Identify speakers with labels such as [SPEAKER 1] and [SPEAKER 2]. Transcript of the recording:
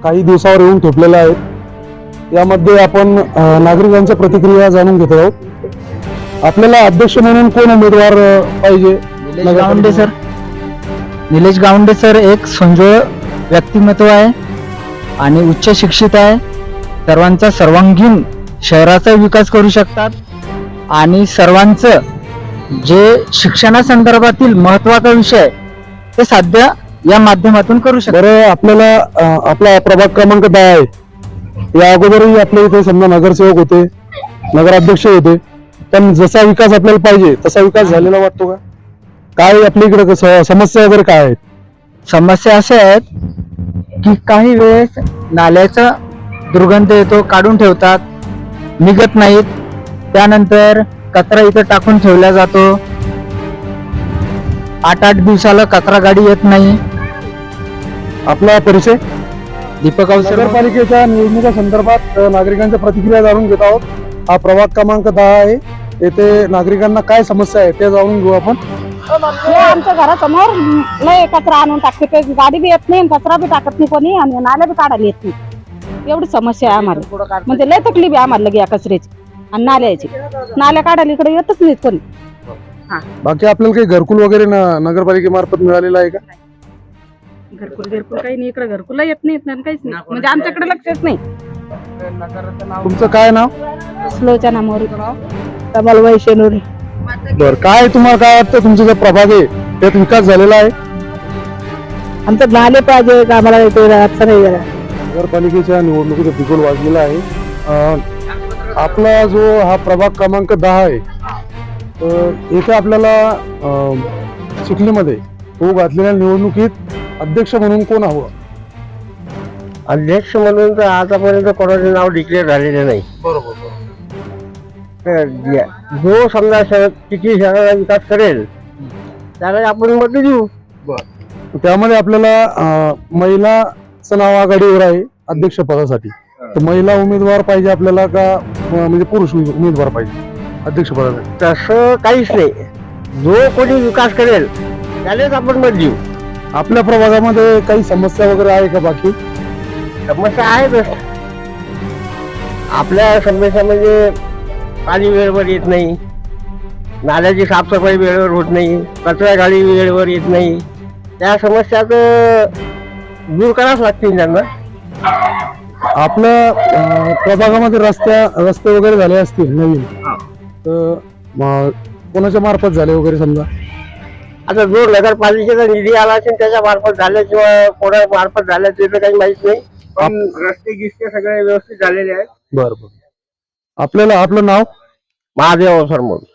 [SPEAKER 1] काही दिवसावर येऊन ठेपलेल्या आहेत। यामध्ये आपण नागरिकांच्या प्रतिक्रिया जाणून घेत आहोत। आपल्याला अध्यक्ष म्हणून कोण उमेदवार पाहिजे?
[SPEAKER 2] निलेश गावंडे सर एक संजोळ व्यक्तिमत्व आहे आणि उच्च शिक्षित आहे। सर्वांचा सर्वांगीण शहराचा विकास करू शकतात आणि सर्वांचं जे शिक्षणासंदर्भातील महत्त्वाचा विषय ते साध्य या माध्यमातून करू शकतात।
[SPEAKER 1] बरं, आपल्याला आपला प्रभाग क्रमांक 10 आहे। या अगोदरही आपल्या इथे समजा नगरसेवक होते, नगराध्यक्ष होते, पण जसा विकास आपल्याला पाहिजे तसा विकास झालेला वाटतो का? काय आपल्या इकडे समस्या वगैरे काय आहेत?
[SPEAKER 2] समस्या अशा आहेत की काही वेळेस नाल्याचा दुर्गंध येतो, काढून ठेवतात, निघत नाहीत, त्यानंतर कचरा इथं टाकून ठेवला जातो, 8-8 दिवसाला कचरा गाडी येत नाही।
[SPEAKER 1] आपला परिचय?
[SPEAKER 2] दीपक अवसर।
[SPEAKER 1] नगरपालिकेच्या निवडणुका संदर्भात नागरिकांच्या प्रतिक्रिया जाणून घेत आहोत। हा प्रभाग क्रमांक 10 आहे। येथे नागरिकांना काय समस्या आहे ते जाणून घेऊ आपण।
[SPEAKER 3] आमच्या घरासमोर लय कचरा आणून टाकते, काही गाडी बी येत नाही, कचरा बी टाकत नाही कोणी, आणि नाल्या बी काढायला येत नाही। एवढी समस्या आहे आम्हाला, म्हणजे लय तकलीफ आहे आम्हाला या कचऱ्याची आणि नाल्याची। नाल्या काढायला इकडे येतच नाहीत कोणी।
[SPEAKER 1] बाकी आपल्याला काही घरकुल वगैरे नगरपालिकेमार्फत मिळालेलं आहे का?
[SPEAKER 3] घरकुल काही नाही इकडे, घरकुल येत नाहीत ना, काहीच नाही, म्हणजे आमच्याकडे लक्षच नाही।
[SPEAKER 1] तुमचं काय नाव?
[SPEAKER 3] स्लोच्या नामावर कमल वैशेनोरी।
[SPEAKER 1] बर, काय तुम्हाला काय वाटतं तुमचा जो प्रभाग आहे त्यात विकास झालेला आहे?
[SPEAKER 3] आमचं झाले पाहिजे का, आम्हाला असं नाही जरा।
[SPEAKER 1] नगरपालिकेच्या निवडणुकीचा बिगुल वाजलेला आहे। आपला जो हा प्रभाग क्रमांक 10 आहे, येथे आपल्याला चिखलीमध्ये तो घातलेल्या निवडणुकीत अध्यक्ष म्हणून कोण हवं?
[SPEAKER 4] अध्यक्ष म्हणून तर आतापर्यंत कोणाचे नाव डिक्लेअर झालेले नाही।
[SPEAKER 1] बरोबर।
[SPEAKER 4] जो समजा किती शहराचा विकास करेल त्याला आपण मत देऊ।
[SPEAKER 1] त्यामध्ये आपल्याला महिलाचं नाव आघाडीवर आहे अध्यक्ष पदासाठी, तर महिला उमेदवार पाहिजे आपल्याला का म्हणजे पुरुष उमेदवार पाहिजे अध्यक्ष पदासाठी?
[SPEAKER 4] तसं काहीच नाही, जो कोणी विकास करेल त्यालाच आपण मत देऊ।
[SPEAKER 1] आपल्या प्रभागामध्ये काही समस्या वगैरे आहे का? बाकी
[SPEAKER 4] समस्या आहेच। आपल्या समस्या म्हणजे पाणी वेळेवर येत नाही, नाल्याची साफसफाई वेळेवर होत नाही, कचरा गाडी वेळेवर येत नाही, त्या समस्या तर दूर करावंच लागतील त्यांना।
[SPEAKER 1] आपल्या प्रभागामध्ये रस्ते वगैरे झाले असतील नवीन, तर कोणाच्या मार्फत झाले वगैरे समजा?
[SPEAKER 4] आता जो नगरपालिकेचा निधी आला असेल त्याच्या मार्फत झाल्या किंवा कोणा मार्फत झाल्या ते तर काही माहित नाही, पण रस्ते गिस्ते सगळे व्यवस्थित झालेले आहेत।
[SPEAKER 1] बरं, आपल्याला आपलं नाव?
[SPEAKER 4] महादेव अवसर म्हणून।